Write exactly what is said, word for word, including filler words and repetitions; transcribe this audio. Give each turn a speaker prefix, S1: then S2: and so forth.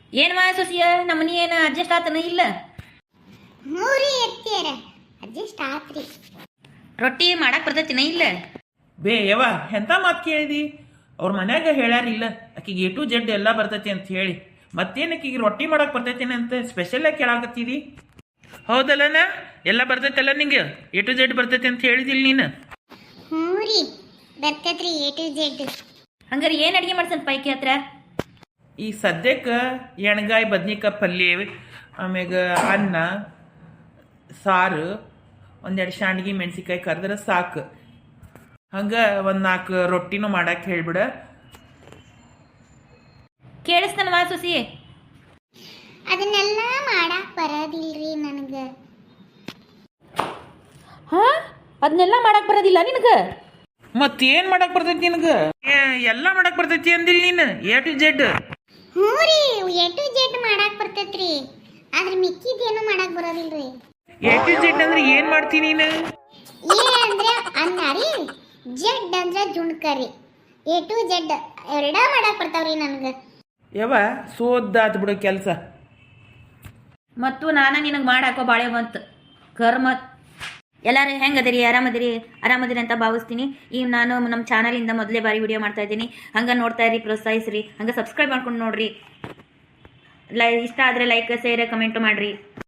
S1: ಏನು ಮಾ ಸೊಸಿಯ ನಮ್ಮ ಮನಿ ಏನು ಅಡ್ಜಸ್ಟ್ ಆತನ ಇಲ್ಲ?
S2: ಮೂರಿ ಎತ್ತಿಯರ ಅಡ್ಜಸ್ಟ್ ಆತ್ರಿ.
S1: ರೊಟ್ಟಿ ಮಾಡಕ್ ಬರ್ತೈತಿನ ಇಲ್ಲ?
S3: ಬೇ ಯವ ಎಂಥ ಮಾತು ಕೇಳಿದಿ? ಅವ್ರ ಮನ್ಯಾಗ ಹೇಳ್ಯಾರಿಲ್ಲ ಆಕಿಗೆ ಎ ಟು ಜೆಡ್ ಎಲ್ಲ ಬರ್ತೈತಿ ಅಂತ ಹೇಳಿ, ಮತ್ತೇನು ಆಕಿಗೆ ರೊಟ್ಟಿ ಮಾಡಕ್ಕೆ ಬರ್ತೈತೇನೆ ಅಂತ ಸ್ಪೆಷಲಾಗಿ ಕೇಳಾಕತ್ತೀರಿ? ಹೌದಲ್ಲನ? ಎಲ್ಲ ಬರ್ತೈತಲ್ಲ ನಿಂಗೆ? ಎ ಟು ಜೆಡ್ ಬರ್ತೈತಿ ಅಂತ ಹೇಳಿದಿಲ್ಲ ನೀನು?
S2: ಹ್ಞೂ ರೀ ಬರ್ತೈತ್ರಿ ಎ ಟು ಜೆಡ್.
S1: ಹಂಗಾರೆ ಏನು ಅಡುಗೆ ಮಾಡ್ಸನ್ ಪೈಕಿ ಹತ್ರ?
S3: ಈ ಸದ್ಯಕ್ಕೆ ಎಣ್ಗಾಯಿ ಬದ್ನಿಕಾಯಿ ಪಲ್ಯ, ಆಮ್ಯಾಗ ಅನ್ನ ಸಾರು, ಒಂದೆರಡು ಶಾಂಡ್ಗಿ ಮೆಣಸಿಕಾಯಿ ಕರೆದ್ರೆ ಸಾಕು. ಹಂಗೆ ಒಂದು ನಾಲ್ಕು ರೊಟ್ಟಿನೂ ಮಾಡಕ್ಕೆ ಹೇಳ್ಬಿಡ.
S1: ಕೇಳಿಸ್ತಾನ ಮಾ ಸೊಸಿ?
S2: ಅದನ್ನೆಲ್ಲ ಮಾಡಕ್ ಬರೋದಿಲ್ರಿ ನನಗೆ.
S1: ಹಾ ಅದನ್ನೆಲ್ಲ ಮಾಡಕ್ ಬರೋದಿಲ್ಲ ನಿನಗೆ?
S3: ಮತ್ತೇನು ಮಾಡಕ್ಕೆ ಬರ್ತೈತಿ ನಿನಗೆ? ಎಲ್ಲ ಮಾಡಕ್ಕೆ ಬರ್ತೈತಿ ಅಂದಿಲ್ಲ ನೀನು? A to Z.
S2: ಹ್ಞೂ ರೀ ಎ ಟು ಜೆಡ್ ಮಾಡಕ್ ಬರ್ತೈತ್ರಿ, ಆದ್ರೆ ಮಿಕ್ಕಿದೇನು ಮಾಡಕ್ ಬರೋದಿಲ್ರಿ.
S3: ಎ ಟು ಜೆಡ್ ಅಂದ್ರೆ ಏನು ಮಾಡ್ತೀನಿ ನೀನು?
S2: ಎ ಅಂದ್ರೆ ಅನ್ನ ರೀ, ಜೆಡ್ ಅಂದ್ರೆ ಜುಣ್ಕರಿ. ಎ ಟು ಜೆಡ್ ಎರಡ ಮಾಡಕ್ ಬರ್ತಾವ್ರಿ ನನಗೆ.
S3: ಯವ ಸೋದ್ದಾತ್ ಬಿಡು ಕೆಲಸ.
S1: ಮತ್ತು ನಾನು ನಿನಗೆ ಮಾಡಾಕೋ ಬಾಳೆ ಬಂತು ಕರ್ಮ. ಎಲ್ಲರೂ ಹೆಂಗದಿರಿ? ಆರಾಮದಿರಿ? ಆರಾಮದಿರಿ ಅಂತ ಭಾವಿಸ್ತೀನಿ. ಈಗ ನಾನು ನಮ್ಮ ಚಾನಲಿಂದ ಮೊದಲೇ ಬಾರಿ ವಿಡಿಯೋ ಮಾಡ್ತಾ ಇದ್ದೀನಿ. ಹಂಗೆ ನೋಡ್ತಾ ಇರಿ, ಪ್ರೋತ್ಸಾಹಿಸ್ರಿ, ಹಂಗೆ ಸಬ್ಸ್ಕ್ರೈಬ್ ಮಾಡ್ಕೊಂಡು ನೋಡ್ರಿ. ಲೈ ಇಷ್ಟ ಆದರೆ ಲೈಕ್ ಶೇರ್ ಕಮೆಂಟು ಮಾಡಿರಿ.